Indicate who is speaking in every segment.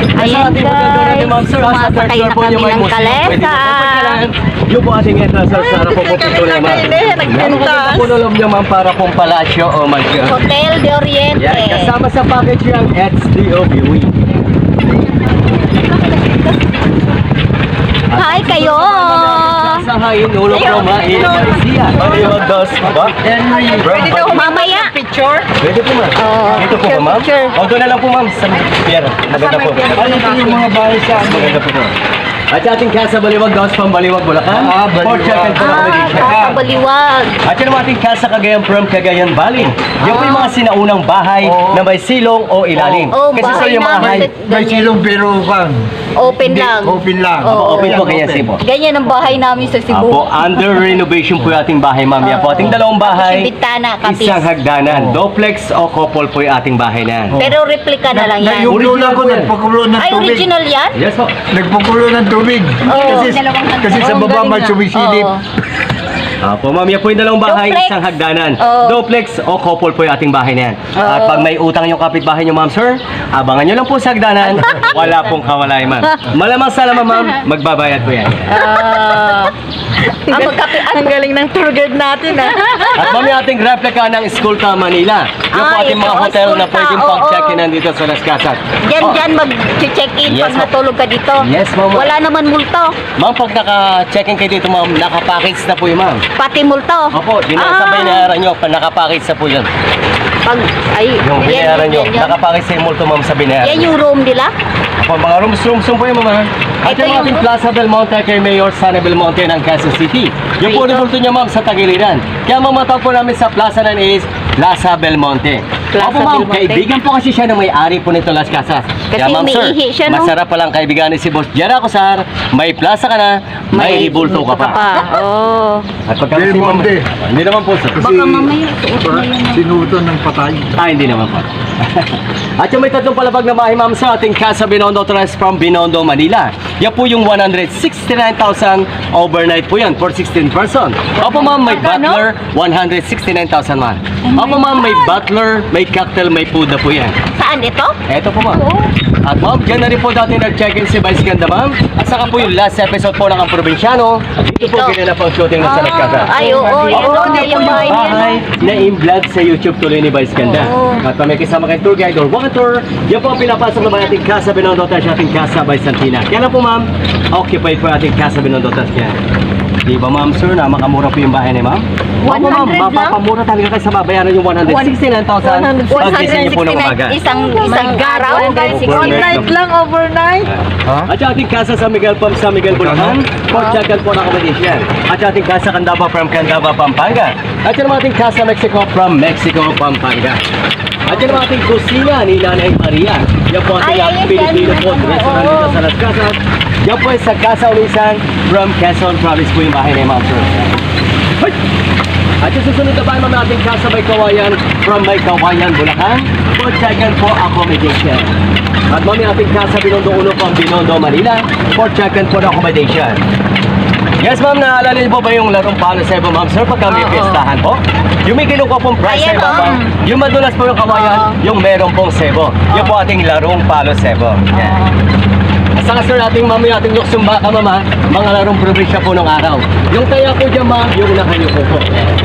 Speaker 1: Ayan guys, sumasakay na kami ng kalesa.
Speaker 2: Yung po ating entrance sa harap po po pito na ma'am.
Speaker 1: Nagpuntas.
Speaker 2: Punolom niyo ma'am para pong palasyo o
Speaker 1: Hotel de Oriente.
Speaker 2: yan, kasama sa package yung HDO Viewing.
Speaker 1: Hi kayo.
Speaker 2: Sa hain, ulo ko main. Siya. Baliwag dos. Ba?
Speaker 1: Pwede daw mamaya. Picture?
Speaker 2: Pwede po ma'am. Dito po ba ma'am? O doon na lang po ma'am. Sa pier. Maganda po.
Speaker 3: Ano ito yung mga bahay sa ano?
Speaker 2: Maganda po po. At ating casa Baliwag dos, Pambaliwag, Bulacan.
Speaker 3: Baliwag.
Speaker 2: Port Check and
Speaker 1: Sa Baliwag.
Speaker 2: At yun ang ating casa Cagayan from Cagayan Valley. Yan po yung mga sinaunang bahay na may silong o ilalim. Kasi
Speaker 1: bahay
Speaker 2: sir, yung mga
Speaker 1: namin.
Speaker 3: May silong pero kan.
Speaker 1: Open lang.
Speaker 3: Open lang.
Speaker 2: open po kaya sipo.
Speaker 1: Ganyan ang bahay namin sa Cebu.
Speaker 2: Apo, under renovation po yung ating bahay, ma'am. Yan po, ating dalawang bahay,
Speaker 1: Tapos yung bintana, kapis.
Speaker 2: isang hagdanan. Duplex o couple po yung ating bahay na.
Speaker 1: Pero replica na lang yan.
Speaker 3: Yung lola ko
Speaker 2: Original po yan.
Speaker 3: nagpakulo ng
Speaker 1: Ay,
Speaker 3: tubig.
Speaker 1: original yan?
Speaker 2: Yes po.
Speaker 3: Nagpakulo ng tubig. Kasi sa baba may sumisilip.
Speaker 1: Oo.
Speaker 2: Apo, ma'am, yan po yung dalawang bahay,
Speaker 1: Duplex.
Speaker 2: isang hagdanan.
Speaker 1: Oo.
Speaker 2: Duplex o couple po yung ating bahay na yan. At pag may utang yung kapitbahay nyo, ma'am, sir, abangan nyo lang po sa hagdanan. Wala pong kawalay, ma'am. Malamang sa laman, ma'am, magbabayad po yan.
Speaker 1: Ang galing ng tour guide natin
Speaker 2: At ma'am, yung ating replica ng Escolta, Manila. Yan po ating
Speaker 1: ito,
Speaker 2: mga hotel na
Speaker 1: Escolta,
Speaker 2: pwedeng
Speaker 1: oo.
Speaker 2: pag-check-in nandito sa Las Casas.
Speaker 1: Diyan mag-check-in
Speaker 2: Yes,
Speaker 1: pag
Speaker 2: ma'am.
Speaker 1: natulog ka dito.
Speaker 2: Yes, ma'am.
Speaker 1: Wala naman multo.
Speaker 2: Ma'am, pag naka-check-in kayo dito, ma'am, naka-package na po yung ma'am.
Speaker 1: Pati multo.
Speaker 2: Opo, dinasabay na nyo, naka-package na po yun.
Speaker 1: Pag, ay,
Speaker 2: Yung binayaran nyo,
Speaker 1: yan.
Speaker 2: naka-package sa yung multo, ma'am, sa binayaran.
Speaker 1: Yan yung room nila?
Speaker 2: Opo, mga rooms po yung ma'am. At
Speaker 1: Ito
Speaker 2: yung
Speaker 1: yung-
Speaker 2: ating Plaza Belmonte kay Mayor Sana Belmonte ng Quezon City. Yung po
Speaker 1: Ito.
Speaker 2: resulto niya, ma'am, sa Tagiliran. Kaya mamatawag po namin sa plaza na is Plaza Belmonte.
Speaker 1: Plaza
Speaker 2: Opo, ma'am,
Speaker 1: Belmonte.
Speaker 2: kaibigan po kasi siya na may-ari po nito Las Casas.
Speaker 1: Kasi umiihi siya, no?
Speaker 2: Masarap palang kaibigan ni si Boss Jera Cosar. May plaza ka na, may ribulto ka pa.
Speaker 1: Oo.
Speaker 2: At pagka
Speaker 3: Belmonte.
Speaker 2: Hindi naman po, sir.
Speaker 1: Baka mamaya suot mo yun.
Speaker 3: Sinuto ng patay.
Speaker 2: Hindi naman po. At yung may tatlong palabag na bahay, ma'am, sa ating Casa Binondo Trust from Binondo, Manila. Yan po yung 169,000 overnight po yan for 16 person. Opo, ma'am, may butler, 169,000, ma'am. Opo, ma'am, may butler, may cocktail, may food na po yan.
Speaker 1: Saan ito?
Speaker 2: Eto po, ma'am. At ma'am, dyan na rin po dati nag-check-in si Vice Ganda, ma'am. At saka po yung last episode po ng Ang Probinsyano. Dito po
Speaker 1: Ito.
Speaker 2: ginanap ang shooting ng Salas Casa.
Speaker 1: Ay, oo. Yan
Speaker 2: Oo,
Speaker 1: o.
Speaker 2: yan
Speaker 1: Yung
Speaker 2: po
Speaker 1: bahay
Speaker 2: yung
Speaker 1: niya.
Speaker 2: bahay na in-vlog sa YouTube tuloy ni Vice Ganda.
Speaker 1: Oo.
Speaker 2: At pa may kasama kayong tour guide or walk tour, yan po ang pinapasok na ba ating Casa Binondo Tash, ating Casa by Santina. Kaya na po, ma'am, occupied po ating Casa Binondo Tash yan. Di ba, ma'am, sir, na makamura po yung bahay ni ma'am? Opo, ma'am,
Speaker 1: 100 lang?
Speaker 2: mapapamura talaga kayo sa babayaran yung 169,000 pag-gising niyo po ng umaga.
Speaker 1: Isang araw.
Speaker 2: One night lang,
Speaker 1: overnight.
Speaker 2: At yung ating casa sa Miguel Pam sa Miguel Bulacan, Port Jacan po na accommodation. At yung ating casa Candaba from Candaba, Pampanga. At yung ating casa Mexico from Mexico, Pampanga. At yung ating kusina ni Nanay Maria. Yan po ang
Speaker 1: Ay,
Speaker 2: ating
Speaker 1: ayan,
Speaker 2: Filipino
Speaker 1: yan.
Speaker 2: food restaurant dito sa Las Casas. Yan po ay sa Casa Ulisan from Quezon Province po yung bahay ni Ma'am Sir. Hoy! At yung susunod na bahay, ma'am, ating casa May Kawayan from May Kawayan, Bulacan. Port Jacan po accommodation. At ma'am, yung ating casa Binondo Uno from Binondo, Manila. Port Jacan po na accommodation. Yes, ma'am, naalala niyo po ba yung larong palo sebo, ma'am, sir, pagka may
Speaker 1: Oo.
Speaker 2: piestahan po? Yung may kinuha pong price
Speaker 1: Ayan,
Speaker 2: sa ibaba,
Speaker 1: oo.
Speaker 2: yung madulas po yung kawayan, yung meron pong sebo. Yung po ating larong palo sebo. Yan. At saka sir, ating ma'am, yung ating luksumba ka, ma'am, ha? Mga larong probinsya po ng araw. Yung taya po dyan, ma'am, yung nakayuko po.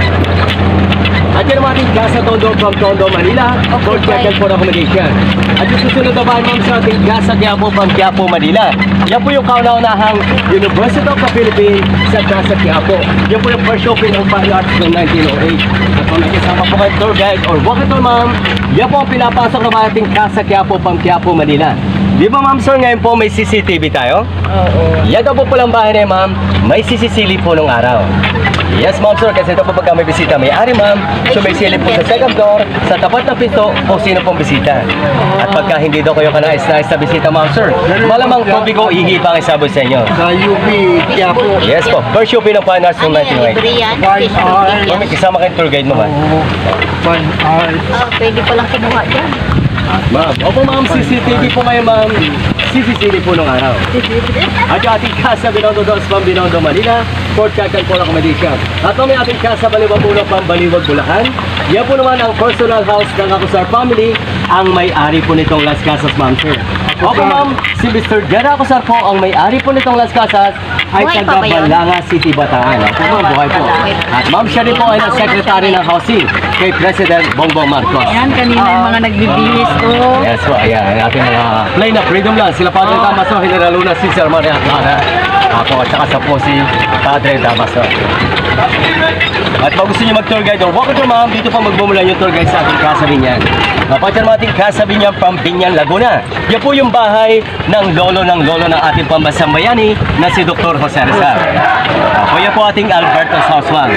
Speaker 2: At yan ang ating Casa Tondo from Tondo, Manila. Port Jacan po na accommodation. At yung susunod na bahay, ma'am, sa ating Casa Quiapo from Quiapo, Manila. Yan po yung kauna-unahang University of the Philippines sa Casa Quiapo. Yan po yung first opening ng Fine Arts noong 1908. At kung nakisama po kayo tour guide or walkathon, ma'am, yan po ang pinapasok na ating Casa Quiapo from Quiapo, Manila. Di ba, ma'am, sir, ngayon po may CCTV tayo?
Speaker 1: Oo.
Speaker 2: Yan daw po palang bahay na yun, ma'am, may CCTV po nung araw. Yes, ma'am, sir, kasi ito po pagka may bisita, may ari, ma'am. So may silip po sa second floor, sa tapat ng pinto, kung sino pong bisita. At pagka hindi daw kayo kanais-nais na bisita, ma'am, sir, malamang po bigo ihi pa ang sabot sa inyo.
Speaker 3: Sa UP, Quiapo.
Speaker 2: Yes po, first show ng Fine Arts noong
Speaker 1: Ano yan?
Speaker 2: 1908.
Speaker 1: Libre yan?
Speaker 3: Fine
Speaker 1: Fish
Speaker 3: art.
Speaker 1: cooking yan?
Speaker 2: May kasama kayong tour guide mo, ma'am.
Speaker 3: Fine art.
Speaker 1: Pwede palang kumuha dyan.
Speaker 2: Ma'am, opo, ma'am, CCTV po ngayon, ma'am. CCTV po nung araw. At yung ating Casa Binondo Dos from Binondo, Manila, Port Jacan po na accommodation. At may ating Casa Baliwag Uno from Baliwag, Bulacan. Yan po naman ang personal house ng Acosar family ang may-ari po nitong Las Casas, ma'am, sir. Opo, ma'am, si Mr. Jera Acosar po, ang may-ari po nitong Las Casas, ay
Speaker 1: Buhay pa
Speaker 2: taga
Speaker 1: ba yun?
Speaker 2: Balanga City, Bataan. Opo, ma'am, buhay po. At ma'am, siya rin po ay secretary ng housing kay President Bongbong Marcos.
Speaker 4: Yan, kanina yung mga nagbibihis ko.
Speaker 2: Yes po, ayan, ating mga plain na freedom lang. Sila Padre Damaso, General Luna, si Sir Maria Clara. Ako, at saka sa po si Padre Damaso. At pag gusto niyo mag-tour guide, or walk to ma'am, dito pa magmumulan yung tour guide sa ating Casa Binyan. Napatyan mo ating Casa Binyan from Binyan, Laguna. Yan po yung bahay ng lolo ng ating pambansang bayani na si Dr. Jose Rizal. Ako yan po ating Alberto Sauswang.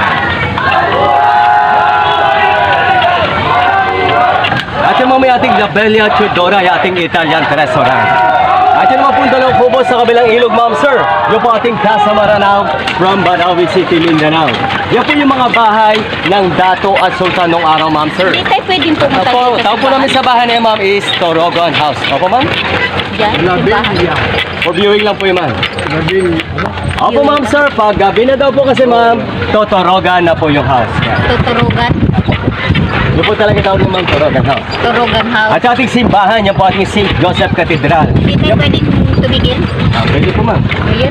Speaker 2: At yung mga may ating La Bella Tudora, yung ating Italian restaurant. At yung mga punta ng kubo sa kabilang ilog, ma'am sir. Yung po ating Casa Maranao from Banawi City, Mindanao. Yan po yung mga bahay ng Dato at Sultan nung araw, ma'am sir.
Speaker 1: Hindi tayo pwedeng pumunta
Speaker 2: Opo,
Speaker 1: dito.
Speaker 2: tawag po namin sa bahay na yun, ma'am, is Torogon House. Opo, ma'am?
Speaker 1: Diyan, simbahan.
Speaker 2: For viewing lang po yun, ma'am.
Speaker 3: Gabi,
Speaker 2: Opo, ma'am sir, pag gabi na daw po kasi, ma'am, Totorogan na po yung house. Yan.
Speaker 1: Tuturugan.
Speaker 2: Yun po talaga tawag ng ma'am, Torogan House.
Speaker 1: Turugan house.
Speaker 2: At sa ating simbahan, yan po ating St. Joseph Cathedral.
Speaker 1: Hindi tayo
Speaker 2: Yan-
Speaker 1: pwedeng tumigil.
Speaker 2: Pwede po, ma'am.
Speaker 1: Ayan.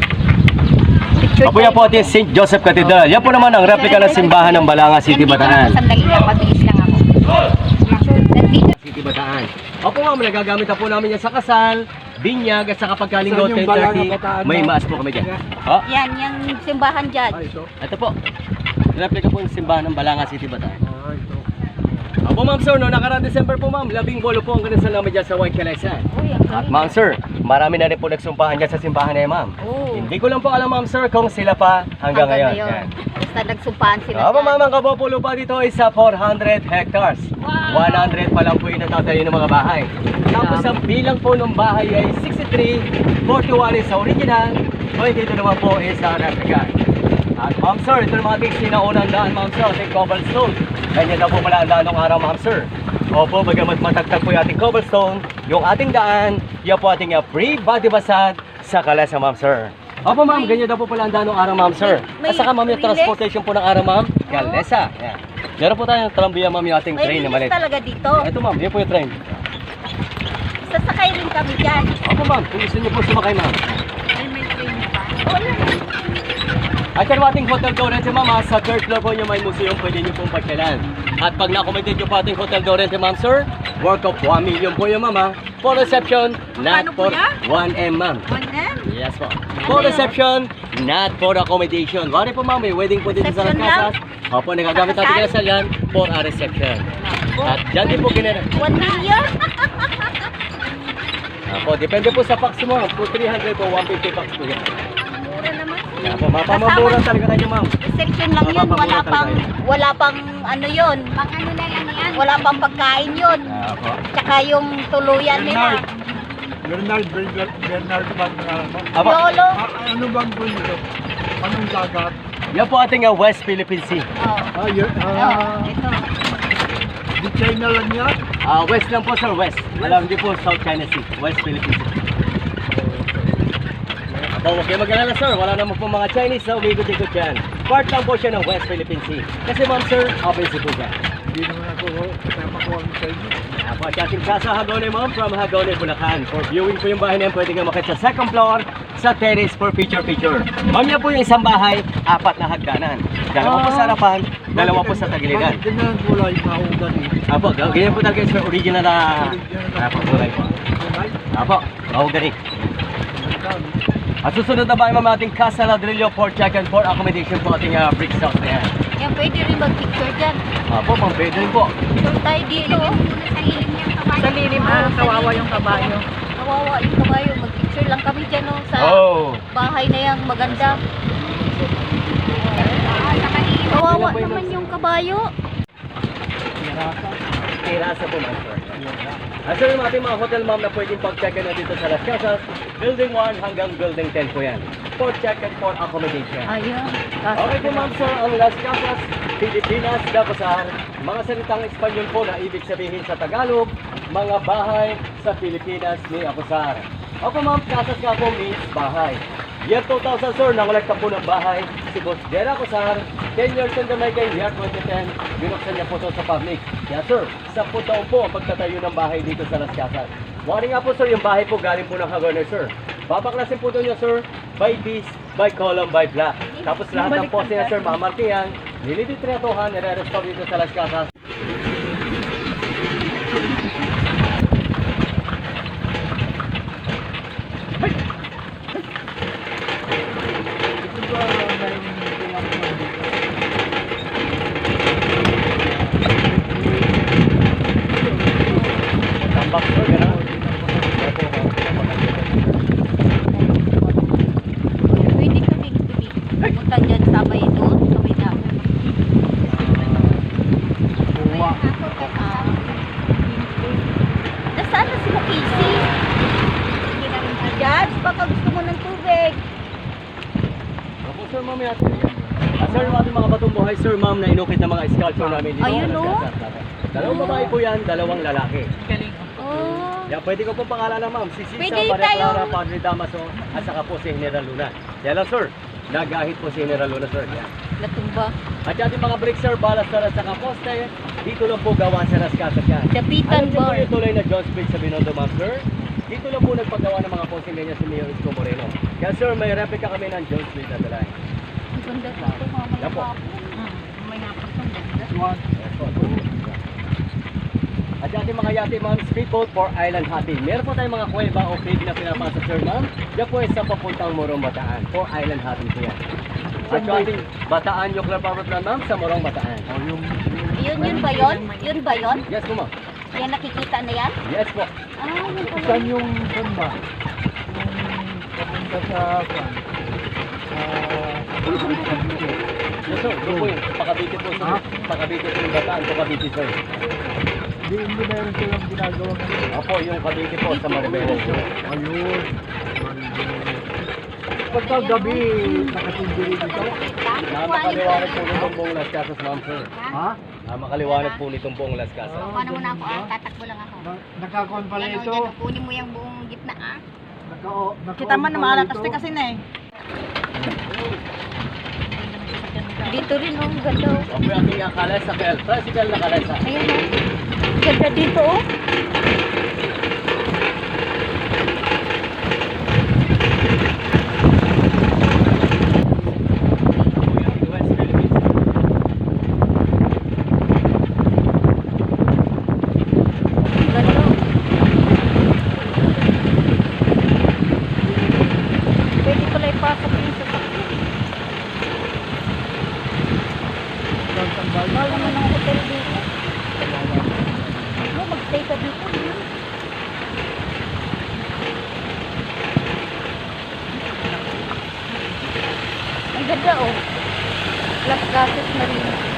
Speaker 1: Picture
Speaker 2: Opo, yan po ating St. Joseph Cathedral. Yan po naman ang replika ng simbahan ng Balanga City, Bataan.
Speaker 1: Sandali lang, mabilis lang ako. Nandito.
Speaker 2: City, Bataan. Opo, ma'am, nagagamit na po namin yan sa kasal, binyag, at sa kapag kalinggo,
Speaker 3: Saan yung Balanga,
Speaker 2: 10:30,
Speaker 3: Bataan,
Speaker 2: may
Speaker 3: ma'am?
Speaker 2: maas po kami dyan. Oh,
Speaker 1: Yan, yung simbahan dyan.
Speaker 3: ito.
Speaker 2: ito po. Replika po yung simbahan ng Balanga City, Bataan.
Speaker 3: Ito.
Speaker 2: Opo, ma'am, sir, no, nakaraan December po, ma'am, 18 po ang ganun namin dyan sa White Calesa.
Speaker 1: Uy, ang
Speaker 2: At
Speaker 1: galing.
Speaker 2: ma'am, sir, marami na rin po nagsumpahan dyan sa simbahan na yun, ma'am.
Speaker 1: Oo.
Speaker 2: Hindi ko lang po alam, ma'am, sir, kung sila pa hanggang ngayon. Yan.
Speaker 1: Basta nagsumpaan sila
Speaker 2: Opo,
Speaker 1: dyan.
Speaker 2: ma'am, ang kabuo lupa dito ay sa 400 hectares. 100 pa lang po yung natatayo ng mga bahay. Tapos ang bilang po ng bahay ay 63, 41 is sa original, 22 naman po is sa replica. At ma'am sir, ito naman ating sinaunang daan, ma'am sir, ating cobblestone. Ganyan na po pala ang daan ng araw, ma'am sir. Opo, bagamat matagtag po yung ating cobblestone, yung ating daan, yan po ating free body massage sa Kalesa, ma'am sir. Opo ma'am, ganyan daw po pala ang daan ng araw, ma'am sir.
Speaker 1: May
Speaker 2: At saka ma'am, yung
Speaker 1: relay?
Speaker 2: transportation po ng araw, ma'am, Kalesa. Yan. Meron po tayong trambuya, ma'am, yung ating
Speaker 1: May
Speaker 2: train na
Speaker 1: bilis
Speaker 2: maliit.
Speaker 1: talaga dito.
Speaker 2: Ito ma'am, yan po yung train.
Speaker 1: Sasakay rin kami dyan.
Speaker 2: Opo ma'am, kung gusto niyo po sumakay, ma'am.
Speaker 1: Ay, may train pa. Wala.
Speaker 2: At yung ating hotel Dorente, ma'am, sa third floor po niyo may museum, pwede niyo pong pagkalan. At pag na-accommodate niyo po ating hotel Dorente, ma'am, sir, worth of 1 million po yun, ma'am, ha? For reception, not
Speaker 1: Magkano po
Speaker 2: for
Speaker 1: yan?
Speaker 2: 1M, ma'am.
Speaker 1: 1M?
Speaker 2: Yes po. For reception, not for accommodation. Wari po, ma'am, may wedding po dito sa Las
Speaker 1: Reception lang?
Speaker 2: Casas. Opo, nagagamit natin
Speaker 1: Kasal?
Speaker 2: kasal yan for a reception. At dyan din po ginara.
Speaker 1: 1 million?
Speaker 2: Opo, depende po sa packs mo. Po 300 po, 150 packs po yan.
Speaker 1: Mura naman.
Speaker 2: Opo, mapamamura talaga tayo, ma'am.
Speaker 1: Section lang yun, wala pang ano yun. Pang ano na yan yan? Wala pang pagkain yun.
Speaker 2: Opo.
Speaker 1: Tsaka yung tuluyan nila.
Speaker 3: Bernard bang pangalan mo?
Speaker 2: Opo.
Speaker 1: Lolo.
Speaker 3: Ano bang po nito? Anong dagat?
Speaker 2: Yan po ating West Philippine Sea.
Speaker 1: Oh.
Speaker 3: Yun.
Speaker 1: Ito.
Speaker 3: Di China lang yan?
Speaker 2: West lang po, sir, West. Alam, hindi po South China Sea. West Philippine Sea. Opo, huwag kayo mag-alala, sir. Wala naman po mga Chinese na umigot-ikot yan. Part lang po siya ng West Philippine Sea. Kasi, ma'am, sir, open sea po siya.
Speaker 3: Hindi naman ako kasama ko ang Chinese.
Speaker 2: Apo, at ating Casa Hagone, ma'am, from Hagone, Bulacan. For viewing po yung bahay na yan, pwede nga makita sa second floor, sa terrace for picture-picture. Ma'am, yan po yung isang bahay, 4 na hagdanan. Dalawa po sa harapan, dalawa po sa tagiliran.
Speaker 3: Bakit ganyan kulay mahugan eh?
Speaker 2: Apo, ganyan po talaga yung original na... Apo, kulay po.
Speaker 3: Kulay?
Speaker 2: Apo, mahogany. At susunod na bahay, ma'am, ating Casa Ladrillo for check and for accommodation po ating bricks house na yan.
Speaker 1: Yan, pwede rin mag-picture dyan.
Speaker 2: Apo, pang pwede rin po.
Speaker 1: Picture tayo dito.
Speaker 4: Sa lilim, kawawa yung kabayo.
Speaker 1: Kawawa yung kabayo. Mag-picture lang kami dyan oh, sa
Speaker 2: Oh!
Speaker 1: bahay na yan. Maganda. Kawawa naman yung kabayo.
Speaker 2: Terasa po, ma'am, sir. At sir, yung ating mga hotel, ma'am, na pwedeng pag-check-in na dito sa Las Casas, Building 1 hanggang Building 10 po yan. For check-in for accommodation.
Speaker 1: Ayan.
Speaker 2: Okay po, ma'am, sir, ang Las Casas, Pilipinas, Dapasar, mga salitang Espanyol po na ibig sabihin sa Tagalog, mga bahay sa Pilipinas ni Apusar. Opo, ma'am, Casas nga po means bahay. Year 2000, sir, nangolekta po ng bahay si Boss Jera Apusar 10 years in the making, year 2010, binuksan niya po ito sa public. Yes sir, 10 taon po ang pagtatayo ng bahay dito sa Las Casas. Wari nga po sir, yung bahay po galing po ng Hagoner sir. Babaklasin po doon niya sir, by piece, by column, by block. Tapos lahat ng poste niya sir, mamarkihan, nililitretohan, nire-restore dito sa Las Casas. Tambak sir, gano'n.
Speaker 1: Pwede kami pumunta dyan sa may doon, sa may dami. Nasaan na sila Casey? Dad, baka gusto mo ng tubig.
Speaker 2: Opo sir, mamaya. Sir, yung ating mga batong buhay, sir, ma'am, na inukit ng mga sculpture namin dito.
Speaker 1: Ayun,
Speaker 2: sa
Speaker 1: no?
Speaker 2: Las Casas. Dalawang babae po yan, dalawang lalaki.
Speaker 4: Galing.
Speaker 1: Oh.
Speaker 2: Yan, pwede ko pong pangalanan, ma'am. Si Sisa,
Speaker 1: Pwede
Speaker 2: Maria
Speaker 1: tayo.
Speaker 2: Clara, Padre Damaso, at saka po si General Luna. Yan lang, sir. Nagahit po si General Luna, sir. Yan.
Speaker 1: Natumba.
Speaker 2: At yung ating mga bricks, sir, balas, sir, at saka poste, dito lang po gawa sa Las Casas yan.
Speaker 1: Dapitan
Speaker 2: Alam niyo po
Speaker 1: bar.
Speaker 2: yung tuloy na John Street sa Binondo, ma'am, sir? Dito lang po nagpagawa ng mga poste ganyan si Mayor Isko Moreno. Kaya, sir, may replica kami ng John Street na dalay.
Speaker 1: Ang ganda dito, mamaya
Speaker 2: Yan po.
Speaker 1: pa. May hapon ng ganda.
Speaker 2: At yung ating mga yate, ma'am, street boat for island hopping. Meron po tayong mga kuweba o cave na pinapasa, sir, ma'am. Yan po ay sa papuntang Morong Bataan. For island hopping po yan. At yung ating Bataan Nuclear Power Plant, ma'am, sa Morong Bataan.
Speaker 1: Yun ba yun? Yun ba yun?
Speaker 2: Yes po, ma'am.
Speaker 1: Yan nakikita na yan?
Speaker 2: Yes po.
Speaker 1: Ah, yun pala.
Speaker 3: Saan yung saan ba? Yung papunta sa saan?
Speaker 2: Yes, sir. Doon po yun. Pakabiti po, sir.
Speaker 3: Ha?
Speaker 2: Pakabiti po yung Bataan. Pakabiti, sir.
Speaker 3: Hindi meron silang ginagawa ngayon.
Speaker 2: Opo, yung Kabiti po sa Maribeles.
Speaker 3: Ayun. Pagka gabi, nakatindiri dito.
Speaker 2: Makaliwanag po nitong buong Las Casas, ma'am, sir.
Speaker 3: Ha?
Speaker 2: Makaliwanag po nitong buong Las Casas.
Speaker 1: Paano mo na ako tatakbo lang ako.
Speaker 3: Nakakon pala
Speaker 1: Yan,
Speaker 3: ito.
Speaker 1: dyan, kunin mo yung buong gitna
Speaker 4: Kita man na maalatas kasi na eh.
Speaker 1: Dito rin oh, ganda oh.
Speaker 2: Opo, yung ating kalesa, tricycle na kalesa.
Speaker 1: Ayan oh. Ganda dito oh.
Speaker 2: West Philippines.
Speaker 1: Ganda oh. Pwede pala ipasok yung sasakyan. Mahal naman ang hotel dito. Mag-stay ka dito. Ang ganda oh. Las Casas Marina.